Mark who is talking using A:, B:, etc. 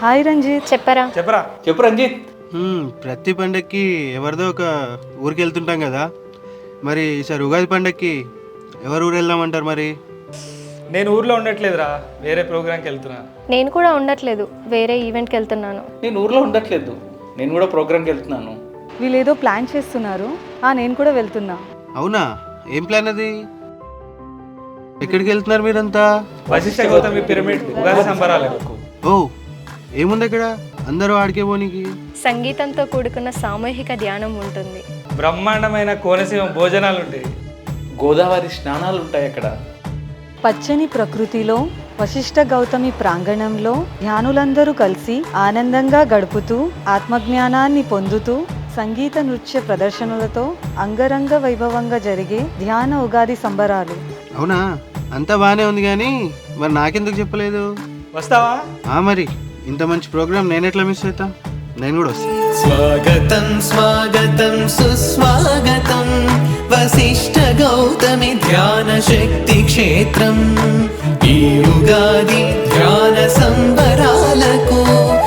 A: Hi Ranjith.
B: చెప్పరా
C: చెప్పు రంజిత్.
D: ప్రతి పండక్కి ఎవరిదో ఒక ఊరికి వెళ్తుంటాం కదా, మరి ఈసారి ఉగాది పండక్కి ఎవరు ఊరు వెళ్దామంటారు? మరి
C: నేను ఊర్లో ఉండట్లేదురా, వేరే ప్రోగ్రామ్కి వెళ్తున్నా.
B: నేను కూడా ఉండట్లేదు, వేరే ఈవెంట్కి వెళ్తున్నాను.
C: నేను ఊర్లో ఉండట్లేదు, నేను కూడా ప్రోగ్రామ్కి వెళ్తున్నాను.
A: వీళ్ళేదో ప్లాన్ చేస్తున్నారు. నేను కూడా వెళ్తున్నా.
D: అవునా? ఏం ప్లాన్ అది? ఎక్కడికి వెళ్తున్నారు మీరంతా?
C: వశిష్ఠ గౌతమి పిరమిడ్ ఉగాది సంబరాలకు.
D: ఓ, ఏముంది అక్కడ? అందరూ ఆడికే పోనీకి.
B: సంగీతంతో కూడుకున్న సామూహిక ధ్యానం ఉంటుంది.
C: బ్రహ్మాండమైన కోనసీమ భోజనాలు ఉంటాయి. గోదావరి స్నానాలు ఉంటాయి అక్కడ.
A: పచ్చని ప్రకృతిలో వశిష్ఠ గౌతమి ప్రాంగణంలో ధ్యానులందరూ కలిసి ఆనందంగా గడుపుతూ ఆత్మజ్ఞానాన్ని పొందుతూ సంగీత నృత్య ప్రదర్శనలతో అంగరంగ వైభవంగా జరిగే ధ్యాన ఉగాది సంబరాలు.
D: అవునా? అంతా బాగానే ఉంది, కానీ మరి నాకెందుకు చెప్పలేదు?
C: వస్తావా?
D: మరి ఇంత మంచి ప్రోగ్రామ్ నేను ఎట్లా మిస్ అవుతా? నేను కూడా వస్తాను.
E: స్వాగతం స్వాగతం సుస్వాగతం వశిష్ఠ గౌతమి ధ్యాన శక్తి క్షేత్రం. ఈ ఉగాది ధ్యాన సంబరాలకు